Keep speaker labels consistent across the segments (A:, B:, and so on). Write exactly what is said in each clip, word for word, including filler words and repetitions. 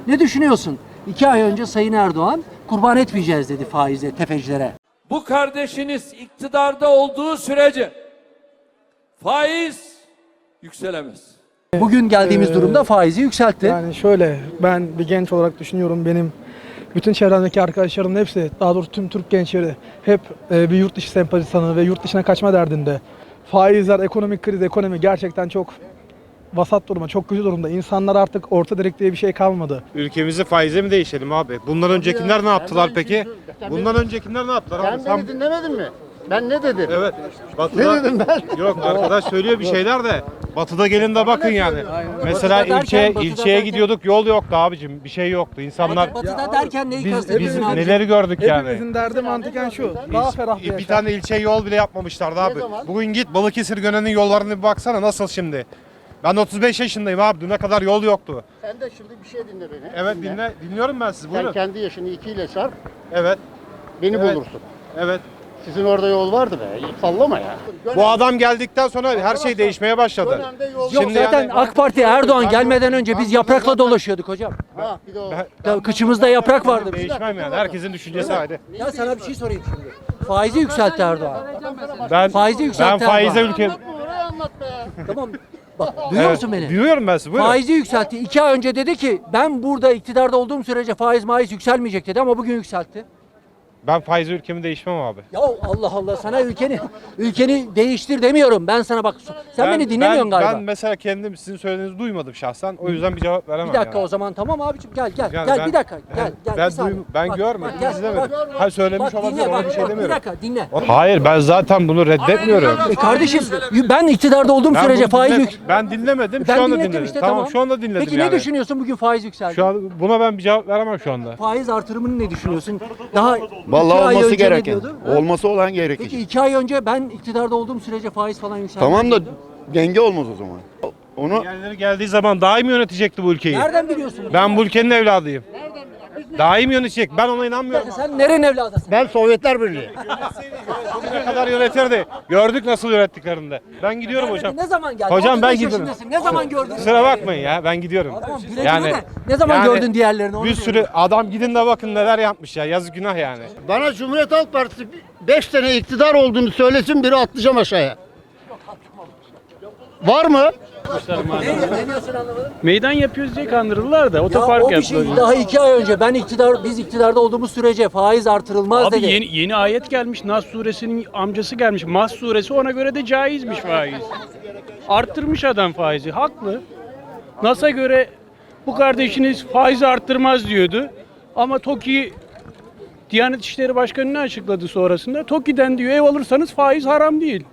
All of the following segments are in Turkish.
A: Ne düşünüyorsun? İki ay önce Sayın Erdoğan kurban etmeyeceğiz dedi faize, tefecilere.
B: Bu kardeşiniz iktidarda olduğu sürece faiz yükselemez.
A: Bugün geldiğimiz
C: Ee,
A: durumda faizi yükseltti.
C: Yani şöyle, ben bir genç olarak düşünüyorum, benim bütün çevremdeki arkadaşlarımın hepsi, daha doğrusu tüm Türk gençleri hep e, bir yurt dışı sempatisanı ve yurt dışına kaçma derdinde. Faizler, ekonomik kriz, ekonomi gerçekten çok vasat duruma, çok kötü durumda. İnsanlar artık orta direk diye bir şey kalmadı.
D: Ülkemizi faize mi değişelim abi? Bundan öncekiler ne yaptılar peki? Bundan öncekiler ne yaptılar abi?
E: Sen beni dinlemedin mi? Ben ne dedim?
D: Evet. Batı'da...
E: Ne dedim ben?
D: Yok, arkadaş söylüyor bir şeyler de. Batı'da gelin de bakın yani. Mesela
A: Batı'da
D: ilçe
A: derken, Batı'da
D: ilçeye
A: derken-
D: gidiyorduk, yol yoktu abicim. Bir şey yoktu. İnsanlar
A: Batı'da derken neyi
D: biz, biz
A: kastediyorsun abi?
D: neleri gördük yani.
C: Hepimizin derdi mantıken şu, daha ferah bir
D: Bir
C: yaşam.
D: tane ilçe yol bile yapmamışlardı abi.
E: zaman?
D: Bugün git Balıkesir Gönen'in yollarına bir baksana nasıl şimdi. Ben otuz beş yaşındayım abi. Düne kadar yol yoktu.
E: Sen de şimdi bir şey dinle beni.
D: Evet dinle, dinliyorum ben sizi.
E: Sen
D: Buyurun.
E: kendi yaşını ikiyle çarp,
D: Evet.
E: beni
D: Evet.
E: bulursun.
D: Evet.
E: Sizin orada yol vardı be. Sallama ya.
D: Bu adam geldikten sonra her şey değişmeye başladı.
E: Dönemde yol
A: Yok
D: Şimdi
A: zaten
D: yani-
A: AK Parti Erdoğan
D: Ben-
A: gelmeden önce biz
D: ben-
A: yaprakla
D: ben-
A: dolaşıyorduk hocam.
E: Ha, bir de o.
D: Ben-
A: Ya kıçımızda yaprak vardı.
D: Değişmem yani. Herkesin düşüncesi ayrı.
A: Ya sana bir şey sorayım şimdi. Faizi yükseltti Erdoğan.
D: Ben
A: Faizi
D: ben
A: yükseltti
D: faize
A: Erdoğan.
D: ülke
E: Anlatma orayı anlat be.
A: Tamam. Bak duyuyor
D: Evet,
A: musun beni?
D: Duyuyorum ben sizi. Buyurun.
A: Faizi yükseltti. İki ay önce dedi ki ben burada iktidarda olduğum sürece faiz maiz yükselmeyecek dedi ama bugün yükseltti.
D: Ben faize ülkemi değişmem abi.
A: Ya Allah Allah sana ülkeni ülkeni değiştir demiyorum. Ben sana bak sen
D: Ben-
A: beni dinlemiyorsun
D: ben,
A: galiba.
D: Ben mesela kendim sizin söylediğinizi duymadım şahsen. O yüzden bir cevap veremem.
A: Bir dakika
D: yani.
A: o zaman tamam abicim gel gel
D: Yani
A: gel
D: ben-
A: bir dakika gel gel.
D: Ben
A: bir saniye.
D: duym- ben
A: Bak,
D: görmedim,
A: bak, gel,
D: izlemedim.
A: bak,
D: Ha, söylemiş
A: bak,
D: olabilir,
A: dinle,
D: ona
A: bak,
D: bir şey
A: bak,
D: demiyorum.
A: Bir dakika dinle.
D: Hayır ben zaten bunu reddetmiyorum.
A: E kardeşim ben iktidarda olduğum
D: Ben,
A: sürece
D: bunu
A: faiz
D: dinle-
A: yük...
D: ben dinlemedim.
A: Ben
D: şu anda
A: dinledim
D: dinledim.
A: işte
D: tamam,
A: tamam.
D: şu anda dinledim
A: Peki
D: yani.
A: ne düşünüyorsun bugün faiz yükseldi?
D: Şu an buna ben bir cevap veremem şu anda.
A: Faiz artırımını ne düşünüyorsun? Daha iki
F: Vallahi
A: ay
F: olması
A: önce ne
F: gereken.
A: diyordu? Ha?
F: Olması olan gerekecek.
A: Peki iki ay önce ben iktidarda olduğum sürece faiz falan yükseldi.
F: Tamam da denge olmaz o zaman. Onu
D: Yerleri geldiği zaman daha iyi mi yönetecekti bu ülkeyi?
A: Nereden biliyorsun?
D: Ben bu ülkenin evladıyım. Daha iyi mi yönetecek? Ben ona inanmıyorum.
A: Sen nerenin evladısın?
E: Ben Sovyetler Birliği.
D: Ne kadar yönetirdi. Gördük nasıl yönettiklerini de. Ben gidiyorum hocam.
A: Ne zaman geldin?
D: Hocam ben
A: otuz beş
D: gidiyorum.
A: yaşındasın. Ne zaman gördün?
D: Kusura bakmayın ya ben gidiyorum.
A: Tamam, güle güle de. Ne zaman gördün diğerlerini, onu
D: Bir sürü adam gidin de bakın neler yapmış ya. Yazık günah yani.
E: Bana Cumhuriyet Halk Partisi beş sene iktidar olduğunu söylesin, biri atlayacağım aşağıya. Var mı?
A: Ne, ne diyorsun anlamadım.
G: Meydan yapıyoruz diye kandırdılar da
A: Ya
G: otopark
A: o bir
G: yaptılar.
A: şey daha iki ay önce ben iktidar biz iktidarda olduğumuz sürece faiz artırılmaz
G: Abi
A: dedi.
G: yeni, yeni ayet gelmiş. Nas suresinin amcası gelmiş. Mas suresi ona göre de caizmiş faiz. Arttırmış adam faizi. Haklı. Nas'a göre bu kardeşiniz faizi arttırmaz diyordu. Ama TOKİ Diyanet İşleri Başkanı ne açıkladı sonrasında? TOKİ'den diyor ev alırsanız faiz haram değil.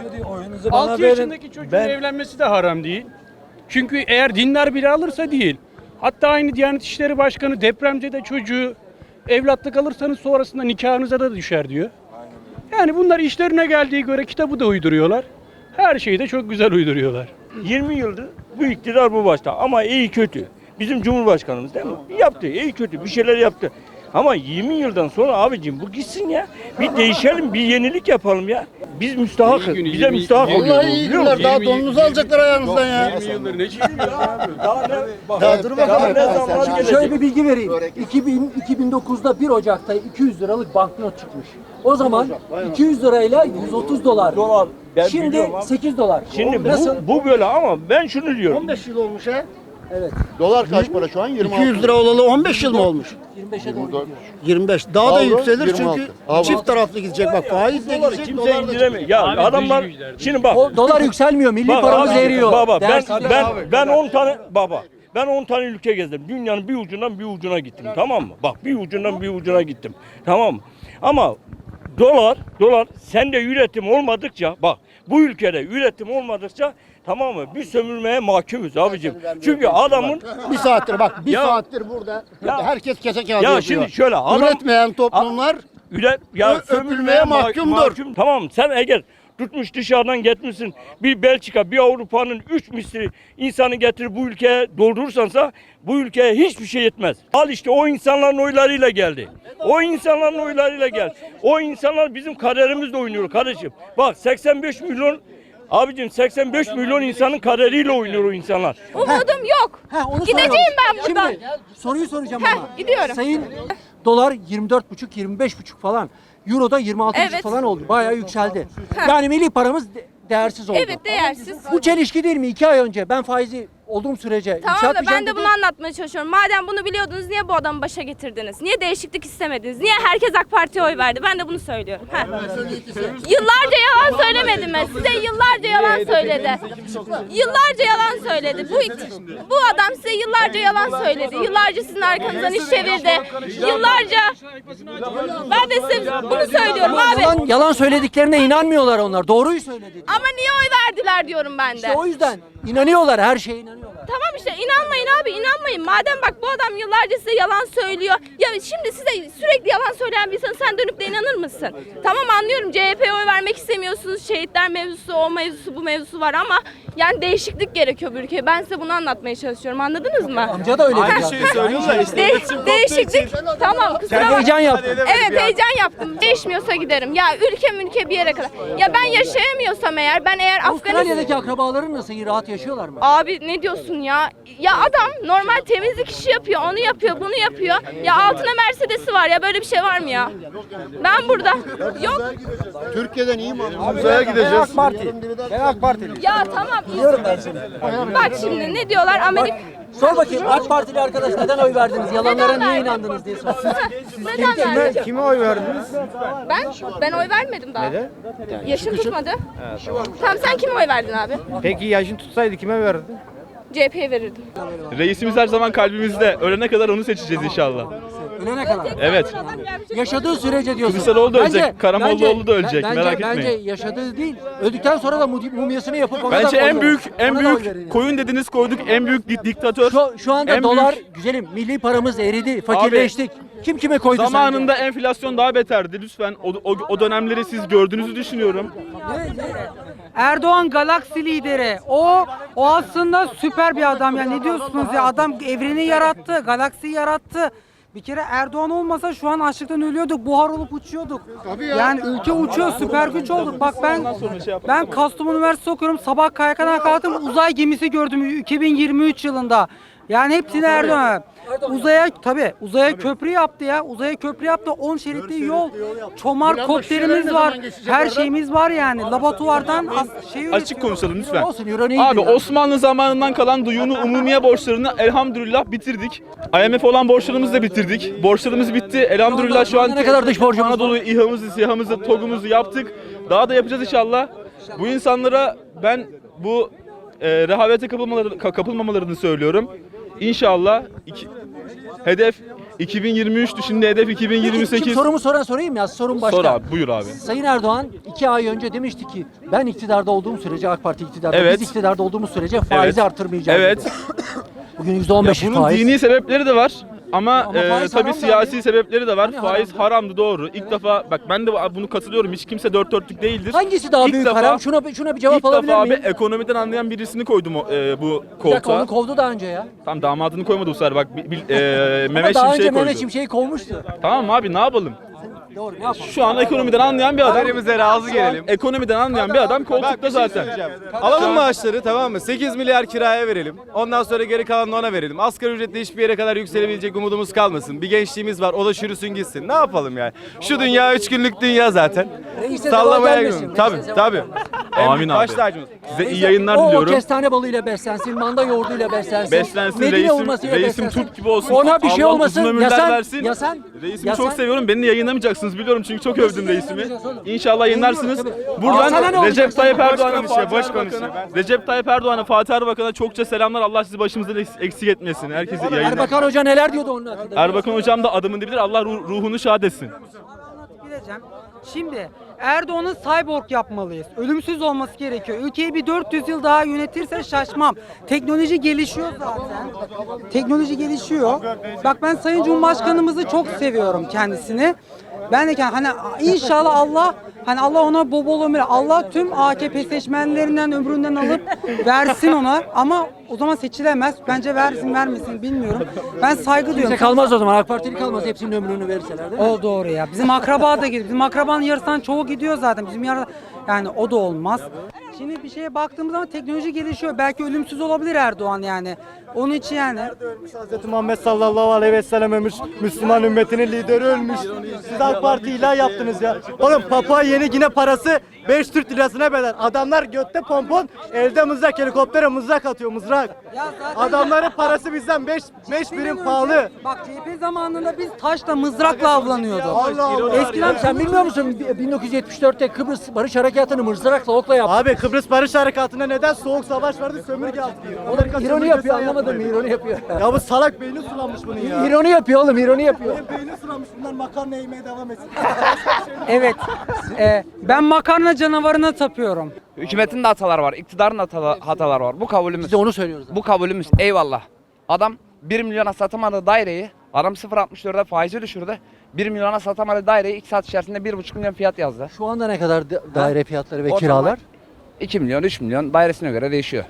G: altı yaşındaki çocuğun evlenmesi de haram değil. Çünkü eğer dindar biri alırsa değil. Hatta aynı Diyanet İşleri Başkanı depremde de çocuğu evlatlık alırsanız sonrasında nikahınıza da düşer diyor. Yani bunlar işlerine geldiği göre kitabı da uyduruyorlar. Her şeyi de çok güzel uyduruyorlar.
H: yirmi yıldır bu iktidar bu başta ama iyi kötü. Bizim Cumhurbaşkanımız değil mi? Yaptı, iyi kötü bir şeyler yaptı. Ama yirmi yıldan sonra abicim bu gitsin ya. Bir değişelim, bir yenilik yapalım ya. Biz müstahakız.
G: İyi günü,
H: Bize
G: yirmi-
H: müstahak
G: yirmi-
H: oluyor.
E: Vallahi iyi
H: biliyor
E: günler.
H: musun?
E: Daha donunuzu alacaklar ayağınızdan ya.
G: yirmi yıldır ne çekiliyorsun abi?
H: Daha ne,
E: Daha dur
H: daha
E: bakalım.
H: ne zamanlar
A: Şöyle
H: gelecek?
A: bir bilgi vereyim. iki bin, iki bin dokuzda bir Ocak'ta iki yüz liralık banknot çıkmış. O zaman iki yüz lirayla yüz otuz dolar.
H: Dolar. Ben
A: Şimdi
H: biliyorum abi.
A: sekiz dolar.
H: Şimdi
A: Nasıl?
H: bu, bu böyle ama ben şunu diyorum.
E: on beş yıl olmuş ha.
A: Evet.
F: dolar kaç para şu an? yirmi altı.
E: iki yüz lira olalı on beş yıl mı olmuş?
A: yirmi beşe doğru gidiyor.
E: yirmi beş. Daha da
F: Avro,
E: yükselir
F: yirmi
E: çünkü
F: altı. Avro.
E: çift taraflı gidecek. Bak faiz de
H: Doları
E: gidecek,
H: kimse
E: dolar da
H: indiremiyor. Ya
G: Abi
H: adamlar
G: dış güçler, dış
H: şimdi bak.
A: O dolar yükselmiyor. Milli
H: Bak
A: paramız
H: abi,
A: eriyor.
H: Baba ben
A: Değersiz-
H: ben ben on tane baba ben on tane ülke gezdim. Dünyanın bir ucundan bir ucuna gittim. Tamam mı? Bak bir ucundan bir ucuna gittim. Tamam mı? Ama dolar dolar sende üretim olmadıkça bak bu ülkede üretim olmadıkça tamam mı? Bir sömürmeye mahkumuz abicim. Çünkü adamın
E: Bir saattir bak bir
H: Ya-
E: saattir burada
H: Ya-
E: herkes kese kağıdı
H: ya
E: yapıyor.
H: şimdi şöyle adam
E: Üretmeyen toplumlar
H: üret ya
E: Ö-
H: sömürmeye
E: öpülmeye
H: mah-
E: mahkumdur.
H: mahkum. Tamam sen eğer tutmuş dışarıdan getirmişsin bir Belçika bir Avrupa'nın üç misli insanı getirip bu ülkeye doldurursansa bu ülkeye hiçbir şey yetmez. Al işte o insanların oylarıyla geldi. O insanların oylarıyla geldi. O insanlar bizim kaderimizle oynuyor kardeşim. Bak seksen beş milyon Abicim seksen beş milyon insanın kaderiyle oynuyor o insanlar.
I: Umudum yok.
A: Ha, onu
I: Gideceğim
A: soralım.
I: ben buradan.
A: Şimdi soruyu soracağım
I: Heh,
A: ama.
I: gidiyorum.
A: Sayın dolar yirmi dört buçuk yirmi beş buçuk falan. Euro da yirmi altı buçuk
I: Evet.
A: falan oldu. Bayağı yükseldi.
I: Heh.
A: Yani milli paramız de- değersiz oldu.
I: Evet, değersiz.
A: Bu çelişki değil mi? İki ay önce ben faizi olduğum sürece
I: Tamam da
A: yükseltmeyeceğim
I: ben de
A: dedi.
I: bunu anlatmaya çalışıyorum. Madem bunu biliyordunuz niye bu adamı başa getirdiniz? Niye değişiklik istemediniz? Niye herkes AK Parti'ye oy verdi? Ben de bunu söylüyorum. Heh. Yıllarca yalan söylemedim mi? Size yıllarca yalan söyledi. Yıllarca yalan söyledi. Bu bu adam size yıllarca yalan söyledi. Yıllarca sizin arkanızdan iş çevirdi. Yıllarca ben de size bunu söylüyorum abi.
A: Yalan, yalan söylediklerine inanmıyorlar onlar. Doğruyu söyledi.
I: Ama niye oy verdiler diyorum ben de.
A: İşte o yüzden inanıyorlar. Her şeye inanıyorlar.
I: Tamam işte inanmayın abi inanmayın. Madem bak bu adam yıllarca size yalan söylüyor. Ya şimdi size sürekli yalan söyleyen bir insan sen dönüp de inanır mısın? Tamam anlıyorum C H P'ye oy vermek istemiyorsunuz. Şehitler mevzusu, o mevzusu, bu mevzusu var ama yani değişiklik gerekiyor bu ülkeye. Ben size bunu anlatmaya çalışıyorum. Anladınız mı?
A: Amca da öyle
I: Aynı
A: dedi.
I: şeyi
A: söylüyor da işte.
I: De- değişiklik. Tamam kusura
A: Sen
I: bakma.
A: heyecan yaptın.
I: Evet heyecan yaptım. Değişmiyorsa giderim. Ya ülkem ülke bir yere kadar. Ya ben yaşayamıyorsam eğer ben eğer Afganistan...
A: Avustralya'daki akrabaların nasıl? İyi, rahat yaşıyorlar mı?
I: Abi ne diyorsun ya? Ya adam normal temizlik işi yapıyor, onu yapıyor, bunu yapıyor. Ya altına Mercedes'i var ya böyle bir şey var mı ya? Ben burada. Yok.
F: Türkiye'den iyi mi?
D: Uzaya gideceğiz. AK Parti. Ben AK Partiliyim.
I: Ya tamam. Biliyorum ben seni. Bak şimdi ne diyorlar Amerika...
A: Sor bakayım AK Partili arkadaş neden oy verdiniz? Yalanlara
I: Neden
A: niye
I: verdin?
A: inandınız diye sor.
I: Neden verdin?
D: Kime oy verdiniz?
I: Ben? Ben oy vermedim daha. Neden? Yaşım tutmadı. Tamam sen kime oy verdin abi?
D: Peki yaşın tutsaydı kime verdin?
I: C H P'ye verirdim.
J: Reisimiz her zaman kalbimizde. Ölene kadar onu seçeceğiz inşallah.
A: Ölene kadar.
J: Evet.
A: Yaşadığı sürece diyorsun.
J: Kılıçdaroğlu da
A: Bence-
J: ölecek, Karamollaoğlu
A: bence-
J: da ölecek,
A: bence-
J: merak
A: Bence
J: etmeyin.
A: yaşadığı değil, öldükten sonra da mum- mumyasını yapıp ona da
J: Bence
A: oy
J: en
A: verin.
J: büyük en
A: Ona da oy verin
J: büyük
A: yani.
J: koyun dediniz koyduk en büyük di- diktatör.
A: Şu, şu anda
J: en
A: dolar
J: büyük-
A: güzelim, milli paramız eridi, fakirleştik. Kim kime koydu
J: Zamanında enflasyon daha beterdi. Lütfen o, o, o dönemleri siz gördüğünüzü düşünüyorum.
K: Erdoğan galaksi lideri. O o aslında süper bir adam ya. Ne diyorsunuz ya? Adam evreni yarattı, galaksiyi yarattı. Bir kere Erdoğan olmasa şu an açlıktan ölüyorduk, buhar olup uçuyorduk. Yani ülke uçuyor, süper güç olduk. Bak ben ben Kastamonu Üniversitesi okuyorum. Sabah K Y K'dan kalktım, uzay gemisi gördüm iki bin yirmi üç yılında. Yani hepsini Erdoğan. Uzaya tabi uzaya köprü yaptı ya. Uzaya köprü yaptı. on şeritli yol. Çomar kopterimiz var. Her şeyimiz var yani. Laboratuvardan as- şey
J: Açık konuşalım lütfen.
A: Olsun, euro ne
J: Abi
A: gidiyor?
J: Osmanlı zamanından kalan duyunu umumiye borçlarını elhamdülillah bitirdik. I M F olan borçlarımızı da bitirdik. Borçlarımız bitti. Elhamdülillah şu an
A: Ne kadar dış borcumuz var?
J: Anadolu İHA'mızı, SİHA'mızı, TOG'umuzu yaptık. Daha da yapacağız inşallah. Bu insanlara ben bu e, rehavete kapılmaları, ka- kapılmamalarını söylüyorum. İnşallah iki, hedef iki bin yirmi üç'tü, şimdi hedef iki bin yirmi
A: Şimdi
J: sekiz.
A: sorumu soran sorayım ya, sorun başka.
J: Sor abi, buyur abi.
A: Sayın Erdoğan iki ay önce demişti ki ben iktidarda olduğum sürece AK Parti iktidarda,
J: Evet.
A: biz iktidarda olduğumuz sürece faizi
J: Evet.
A: artırmayacağız.
J: Evet.
A: dedi. Bugün yüzde on
J: Ya
A: beş
J: bunun
A: faiz.
J: dini sebepleri de var ama,
A: Ama
J: e,
A: faiz
J: tabii
A: haram da
J: siyasi
A: abi.
J: sebepleri de var.
A: Hani
J: Faiz
A: haram?
J: haramdı, doğru. İlk defa bak ben de bunu katılıyorum. Hiç kimse dört dörtlük değildir.
A: Hangisi daha
J: İlk
A: büyük
J: defa-
A: haram? Şuna şuna bir cevap
J: İlk
A: alabilir
J: defa abi
A: miyim?
J: ekonomiden anlayan birisini koydum o, e, bu
A: Bir dakika,
J: koltuğa.
A: onu kovdu daha önce ya.
J: Tam damadını koymadı bu sefer bak. Bil, bil- e,
A: Ama
J: Mehmet
A: daha önce
J: Şimşek'i koydu.
A: Mehmet Şimşek'i kovmuştu.
J: Tamam abi, ne yapalım?
A: Doğru, ne yapalım?
J: Şu an ekonomiden anlayan bir adam.
L: Haberimize razı
J: Şu an
L: gelelim.
J: Ekonomiden anlayan bir adam koltukta zaten.
L: Alalım maaşları, tamam mı? sekiz milyar kiraya verelim. Ondan sonra geri kalanını ona verelim. Asgari ücretle hiçbir yere kadar yükselebilecek umudumuz kalmasın. Bir gençliğimiz var, o da çürüsün gitsin. Ne yapalım yani? Şu dünya üç günlük dünya zaten.
A: Reise
L: Sallamaya
A: zeval gelmesin,
L: gidiyorum.
A: reise
L: Tabii
A: zeval
L: tabii. En
J: Amin
L: büyük
J: abi.
L: baş tacımız.
J: Size iyi yayınlar
A: o,
J: diliyorum.
A: O kestane balıyla beslensin, manda yoğurduyla beslensin.
J: Beslensin,
A: Medine
J: reisim,
A: hurmasıyla
J: reisim
A: beslensin.
J: Türk gibi olsun.
A: Ona bir şey
J: Allah
A: olmasın.
J: uzun ömürler
A: Ya sen,
J: versin.
A: ya sen,
J: Reisimi
A: ya
J: çok
A: sen-
J: seviyorum. Beni de yayınlamayacaksınız biliyorum çünkü çok övdüm reisimi. İnşallah yayınlarsınız.
A: Tabii. Aa, sana
J: Buradan
A: ne olacak?
J: Recep Tayyip
L: Boş
J: Erdoğan'a,
L: konuşuyor,
J: Fatih
L: boş
J: Erbakan'a,
L: konuşuyor.
J: Recep Tayyip Erdoğan'a, Fatih Erbakan'a çokça selamlar. Allah sizi başımızdan eks- eksik etmesin. Herkese iyi yayınlar.
A: Erbakan Hoca neler diyordu onun hakkında?
J: Erbakan hocam da adamın dibidir. Allah ruh- ruhunu şad etsin.
K: Bileceğim. Şimdi Erdoğan'ı cyborg yapmalıyız. Ölümsüz olması gerekiyor. Ülkeyi bir dört yüz yıl daha yönetirse şaşmam. Teknoloji gelişiyor zaten. Teknoloji gelişiyor. Bak ben Sayın Cumhurbaşkanımızı çok seviyorum kendisini. Ben de hani inşallah Allah hani Allah ona bol bol ömür, Allah tüm A K P seçmenlerinden ömründen alıp versin ona ama o zaman seçilemez. Bence versin vermesin bilmiyorum. Ben saygı
A: Kimse
K: duyuyorum.
A: kalmaz o zaman. AK Partili kalmaz. Hepsinin ömrünü verirseler değil mi?
K: O doğru ya. Bizim akraba da gidiyor. Bizim akrabanın yarısından çoğu gidiyor zaten. Bizim yarı yani o da olmaz. Şimdi bir şeye baktığımız zaman teknoloji gelişiyor. Belki ölümsüz olabilir Erdoğan yani. Onun için yani.
E: Hazreti Muhammed sallallahu aleyhi ve sellem ölmüş. Müslüman ümmetinin lideri ölmüş. Siz AK Parti ilah yaptınız ya. Oğlum Papua Yeni Gine parası beş Türk lirasına bedel. Adamlar götte pompon, elde mızrak, helikoptere mızrak atıyor mızrak.
K: Ya zaten-
E: Adamların parası bizden beş beş birim
K: Önce-
E: pahalı.
K: Bak C H P zamanında biz taşla mızrakla avlanıyorduk.
E: Allah Allah.
K: Eskiden
A: Sen bilmiyor musun? bin dokuz yüz yetmiş dörtte Kıbrıs Barış Harekatı'nı mızrakla okla yaptı.
E: Abi Kıbrıs Barış Harekatı'nda neden soğuk savaş vardı, sömürge altı? Amerika
A: İroni
E: sömürgesi
A: yapıyor,
E: yaptı.
A: anlamadım mı? İroni yapıyor.
E: Ya bu salak beyni sulanmış bunun ya.
A: İroni yapıyor oğlum, ironi yapıyor.
E: Beyni sulanmış, bunlar makarna yemeye devam etsin.
K: evet. e, ben makarna canavarına tapıyorum.
M: Hükümetin de hataları var, iktidarın da hataları, hataları var. Bu kabulümüz.
A: Biz de onu söylüyoruz.
M: Bu kabulümüz. Eyvallah. Adam bir milyona satamadı daireyi. Adam sıfır virgül altmış dörde faizi düşürdü. bir milyona satamadı daireyi iki saat içerisinde bir buçuk milyon fiyat yazdı.
A: Şu anda ne kadar da- daire fiyatları ve
M: O
A: kiralar?
M: zaman iki milyon, üç milyon dairesine göre değişiyor.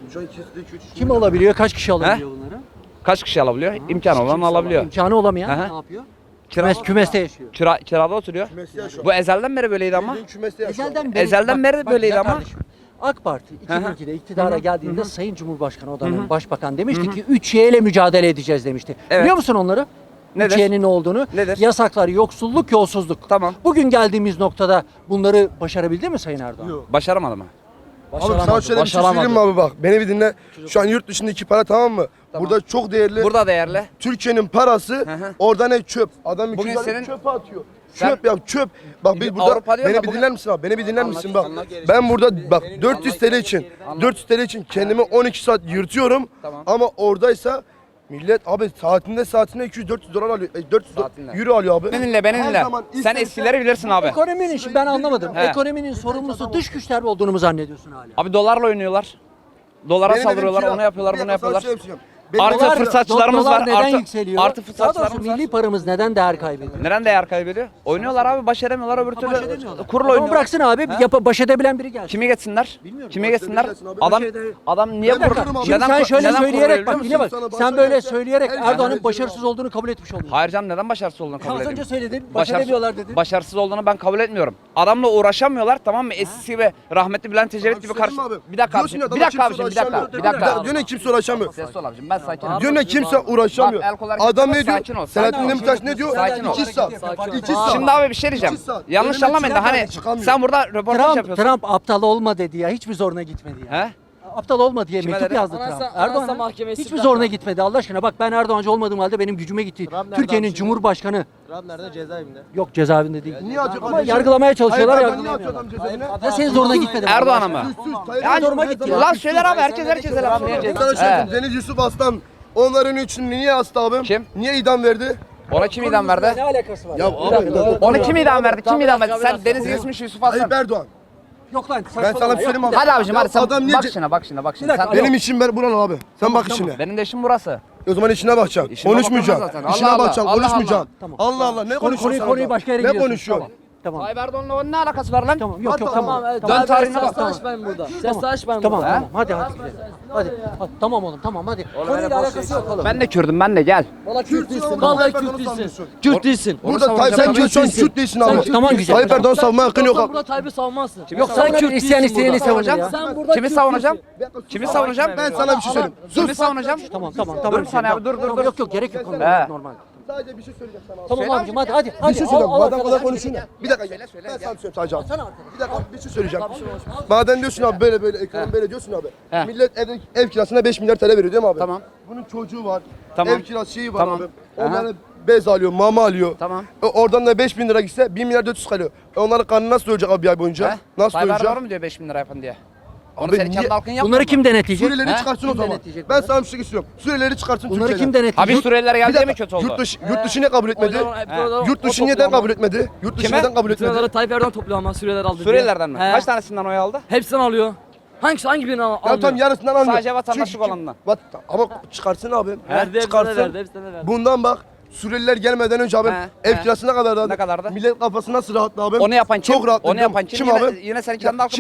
A: Kim alabiliyor? Kaç kişi alabiliyor bunları?
M: Kaç kişi alabiliyor? İmkanı olan alabiliyor.
A: İmkanı olamayan
M: Aha.
A: ne yapıyor?
M: Kira,
A: Kümes, kümeste yaşıyor.
M: kira, kirada oturuyor. Bu ezelden beri böyleydi ama.
A: Ezelden beri,
M: Ezelden beri böyleydi
A: güzel
M: ama.
A: kardeşim. AK Parti iki bin ikide iktidara
M: Hı hı.
A: geldiğinde Sayın Cumhurbaşkanı o dönem Başbakan demişti ki üç Y ile mücadele edeceğiz demişti.
M: Evet.
A: Biliyor musun onları?
M: Nedir?
A: üç Y'nin ne olduğunu?
M: Nedir?
A: Yasaklar, yoksulluk, yolsuzluk.
M: Tamam.
A: Bugün geldiğimiz noktada bunları başarabildi mi Sayın Erdoğan? Yok.
M: Başaramadı mı?
F: Abi sana şöyle bir şey söyleyeyim mi abi bak. Beni bir dinle. Şu an yurt dışındaki para tamam mı? Burada çok değerli.
M: Burada değerli.
F: Türkiye'nin parası
M: hı.
F: orada ne çöp. Adam
M: Bugün
F: iki tane
M: senin-
F: çöpe atıyor.
M: Sen-
F: Çöp ya çöp. Bak biz burada
M: Avrupa diyor
F: beni
M: da
F: bir
M: bugün-
F: dinler misin abi? Beni bir dinler
M: Anlat,
F: misin bak.
M: anlat.
F: Ben burada bak dört yüz TL için dört yüz TL için kendimi on iki saat yırtıyorum.
M: Tamam.
F: Ama oradaysa millet abi saatinde saatinde iki yüz dört yüz dolar alıyor. e, dört yüz
M: Saatinde.
F: euro alıyor abi.
M: Beni dinle, beni
F: Her
M: dinle.
F: zaman
M: Sen
F: istersen-
M: eskileri bilirsin abi.
A: Ekonominin işi ben anlamadım.
M: He.
A: Ekonominin sorumlusu dış güçler olduğunu mu zannediyorsun hala?
M: Abi dolarla oynuyorlar. Dolara
F: Benim
M: saldırıyorlar,
F: evim kira.
M: onu yapıyorlar,
F: Bir
M: bunu
F: dakika, sana
M: yapıyorlar.
F: şey yapacağım. Benim
M: Artı
A: Dolar-
M: fırsatçılarımız
A: dolar
M: var.
A: neden
M: Artı,
A: yükseliyor?
M: artı
A: Daha
M: fırsatçılarımız
A: doğrusu
M: var.
A: milli paramız neden değer kaybediyor?
M: Neden değer kaybediyor? Oynuyorlar abi, başaramıyorlar öbür türlü.
A: Baş edemiyorlar.
M: Kurul
A: Ama
M: oynuyorlar.
A: bıraksın abi, yap baş edebilen biri gelsin.
M: Kimi geçsinler?
A: Bilmiyorum.
M: Kimi geçsinler?
F: Başa edersin abi.
M: Adam
A: Başa eder-
M: adam niye
F: Ben
M: kur?
F: bakarım abi.
A: Şimdi
M: Neden
A: sen
M: kur-
A: şöyle
M: neden
A: söyleyerek
M: kuruluyor
A: bak
M: biliyor
A: dinle
M: musun?
A: bak.
F: Sana
A: Sen
F: başa
A: böyle
F: ederse
A: söyleyerek
F: her
A: Erdoğan'ın
F: zaman
A: başarısız olduğunu kabul etmiş oldun.
M: Hayır canım, neden başarısız olduğunu kabul
A: Az
M: edeyim?
A: önce söyledin, baş
M: Başarısız-
A: edemiyorlar dedin.
M: Başarısız olduğunu ben kabul etmiyorum. Adamla uğraşamıyorlar, tamam mı? Eskisi gibi rahmetli Bülent Ecevit gibi karşı. Bir dakika abicim, bir dakika abicim, bir dakika, bir dakika.
F: Diyor ne kimse uğraşamıyor.
M: Ses ol abicim, ben sakinim.
F: Diyor ne kimse uğraşamıyor.
M: Bak, el kolay
F: Adam ne
M: gitmez,
F: diyor?
M: sakin ol,
F: Selahattin
M: sakin ol.
F: Demirtaş ne diyor?
M: Sakin ol.
F: İki saat. İki saat.
M: Şimdi abi bir şey diyeceğim.
F: İki saat.
M: Yanlış
F: Önüme
M: anlamayın da
F: çıkan
M: hani
F: çıkamıyor.
M: sen burada röportaj
A: Trump,
M: yapıyorsun.
A: Trump aptal olma dedi ya. Hiçbir zoruna gitmedi ya.
M: He?
A: Aptal olma diye
M: Kime
A: mektup
M: dedi?
A: yazdı Trump. Erdoğan hiçbir zoruna gitmedi Allah aşkına. Bak ben Erdoğancı olmadığım halde benim gücüme gitti. Türkiye'nin Cumhurbaşkanı.
E: Trump nerede? Cezaevinde.
A: Yok cezaevinde değil.
F: Niye atıyor?
A: Ama yargılamaya çalışıyorlar.
F: Hayır, ben niye
A: yargılamıyorlar.
F: atıyor adam cezaevine?
A: Ya senin zoruna gitmedi mi?
M: Erdoğan'a mı?
F: Sus, sus. Tayyip
M: Yani
F: Erdoğan
A: zoruma
F: her
A: gitti
F: zaman-
A: ya.
M: Lan söyler abi, herkes herkese laf
F: Ben sana
M: diyecek.
F: şey
M: He.
F: söyleyeyim. Deniz Yusuf Aslan onların için niye astı abim?
M: Kim?
F: Niye idam verdi?
M: Ona kim idam verdi?
A: Ne alakası var?
F: Ya abi
M: Onu kim idam verdi? Kim idam verdi? Sen Deniz Yusuf Yusuf Aslan.
F: Tayyip Erdoğan.
A: Yok lan.
F: Ben sana bir söyleyeyim abi.
M: Hadi abicim,
F: Ya
M: hadi sen
F: adam niye
M: bak
F: ce-
M: şuna, bak şuna, bak
A: Bir
M: şuna.
A: dakika,
M: Sen,
F: Benim işim ben buran abi. Sen bak işine.
M: benim de işim burası.
F: O zaman işine bakacaksın.
M: İşime
F: Konuşmayacaksın.
M: bakamaz zaten.
F: İşine
M: Allah Allah.
F: bakacaksın.
M: Allah
F: Konuşmayacaksın.
A: Tamam.
F: Allah Allah. Ne
A: Konu-
F: konuşuyorsun?
A: konuyu-
F: sen
A: konuyu
F: orada?
A: başka yere
F: Ne
A: gidiyorsun.
F: konuşuyorsun?
A: Tamam.
M: Tayyip Erdoğan'la onun ne alakası var lan?
A: Tamam. Yok yok
F: Hatta-
A: tamam.
M: Dön tarihine bak.
A: ben burada. Ses aç ben Tamam tamam. Hadi hadi. gidelim. Hadi. Hadi. Tamam oğlum tamam hadi. Konuyla alakası yok oğlum.
M: Ben de Kürdüm, ben de gel.
F: Kürt değilsin. Vallahi Kürt değilsin.
A: Kürt değilsin.
F: Burada Tayyip sen Kürt sen Kürt değilsin abi.
A: Tamam güzel.
F: Tayyip Erdoğan savunma hakkın yok abi.
A: Tayyip'i savunmazsın. Yok sen Kürt isteyen isteyeni savunacak ya.
M: Sen burada Kimi savunacağım? Kimi savunacağım?
F: Ben sana bir şey söyleyeyim.
M: Kimi savunacağım?
A: Tamam tamam tamam.
M: Dur sana abi, dur, dur, dur.
A: Yok yok gerek yok.
M: He.
A: Normal.
F: Sadece bir şey söyleyeceğim sana.
A: Tamam abicim hadi hadi. hadi.
F: Bir şey
A: Al,
F: söyleyeceğim.
A: al
F: Madem
A: arkadaş.
F: kadar konuşuyorsun ya. Bir dakika. Ben sana bir şey söyleyeyim sadece abi. Bir dakika bir şey söyleyeceğim. Madem diyorsun abi böyle böyle ekonomi böyle diyorsun abi.
M: He.
F: Millet ev, ev kirasına beş milyar T L veriyor değil mi abi?
M: Tamam.
F: Bunun çocuğu var.
M: Tamam.
F: Ev kirası şeyi var
M: Tamam.
F: abi.
M: Aha.
F: Onlara bez alıyor, mama alıyor.
M: Tamam.
F: E, oradan da beş bin lira gitse bir milyar dört yüz kalıyor. E, onların karnı nasıl doyacak abi bir ay boyunca?
M: He?
F: Nasıl
M: Tayyip
F: doyacak?
M: Erdoğan mı diyor beş bin lira yapın diye? Onu
F: Abi
M: senin
F: niye-
M: kendi halkın yapmıyor
A: Bunları
M: mu?
A: kim denetleyecek?
F: Suriyelileri
M: He?
F: çıkarsın o
A: Kim
F: zaman.
A: denetleyecek
F: Ben
A: bunları?
F: sana bir şey istiyorum. Suriyelileri çıkarsın
A: Bunları
F: Türkiye'den.
A: kim denetleyecek?
M: Abi Suriyeliler
F: Bir
M: geldi
F: dakika,
M: mi kötü oldu?
F: Yurt dışı, yurt dışı niye kabul etmedi?
M: He.
F: Yurt dışı neden kabul etmedi? Yurt dışı
M: Kime?
F: neden kabul etmedi?
N: Tayyip Erdoğan topluyor ama Suriyeliler aldı.
M: Suriyelilerden mi?
N: He.
M: Kaç tanesinden oy aldı?
N: Hepsinden alıyor. Hangisi hangi birini al-
F: Ya
N: almıyor?
F: tam yarısından almıyor.
M: Sadece vatandaşlık
F: Çünkü-
M: olanından.
F: Vat- Ama çıkarsın abi.
N: Verdi, hepsine de
F: çıkarsın.
N: verdi, hepsine de verdi.
F: Bundan bak. Suriyeliler gelmeden önce abi
M: He,
F: ev
M: he.
F: kirası ne kadardı abi?
M: Ne kadardı?
F: Millet kafası nasıl rahatlı abi?
M: Onu yapan kim?
F: Çok rahat.
M: Onu yapan kim?
F: Kim
M: yine,
F: abi?
M: Yine senin
F: Ya
M: kendi halkın.
F: kim?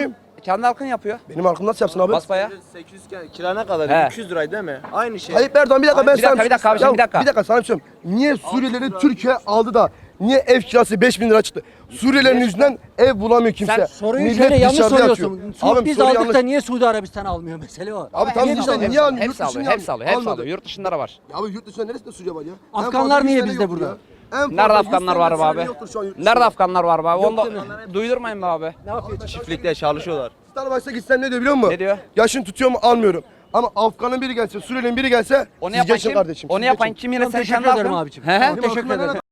M: kendi halkın yapıyor.
F: Benim halkım nasıl yapsın abi?
M: Basbaya.
L: sekiz yüz kira ne kadar?
M: He.
L: iki yüz liraydı değil mi? Aynı şey.
F: Tayyip Erdoğan bir dakika ben
M: Bir
F: sana
M: dakika, bir dakika abiciğim,
F: Ya,
M: bir dakika.
F: Bir dakika sana bir şey söyleyeyim. Niye Suriyelileri Türkiye aldı da niye ev kirası beş bin lira çıktı? Suriyelilerin yüzünden ev bulamıyor kimse.
M: Sen
A: Soruyu
F: Millet
A: şöyle yanlış
F: dışarıda
A: soruyorsun.
F: yatıyor.
A: Su-
F: Abim,
A: biz
F: soru
A: aldık
F: yanlış.
A: da niye Suudi Arabistan almıyor mesele o.
F: Abi tamam
A: Niye biz
F: işte
A: alıyoruz?
F: niye almıyor?
M: Hepsi
F: Yurt dışından
M: alıyor, hepsi alıyor, hepsi
F: almadı.
M: alıyor. Yurt dışında da var.
F: Ya abi yurt dışında neresinde Suriye var ya? En
A: Afganlar
F: fazla
A: niye
F: yüz tane
A: bizde
F: yoktur
A: burada?
F: ya. En fazla
M: Nerede
F: yüz
M: Afganlar
F: tane
M: var be abi?
F: yoktur şu an yurt dışında.
M: Nerede Afganlar var be abi? Onu da
A: değil
M: duydurmayın be abi.
A: Ne yapıyor?
L: Çiftlikte çalışıyorlar.
F: Starbucks'a gitsen ne diyor biliyor musun?
M: Ne diyor?
F: Yaşın tutuyor mu almıyorum. Ama Afgan'ın biri gelse, Suriyeli'nin biri gelse
M: Onu
F: siz
M: yapan
F: geçin
M: kim?
F: kardeşim.
M: Onu
F: siz
M: yapan
F: geçin.
M: kim yine
A: Çok
M: sen
A: teşekkür
M: kendi
A: ederim
M: halkın?
A: abicim.
M: He he.
A: Çok teşekkür ederim.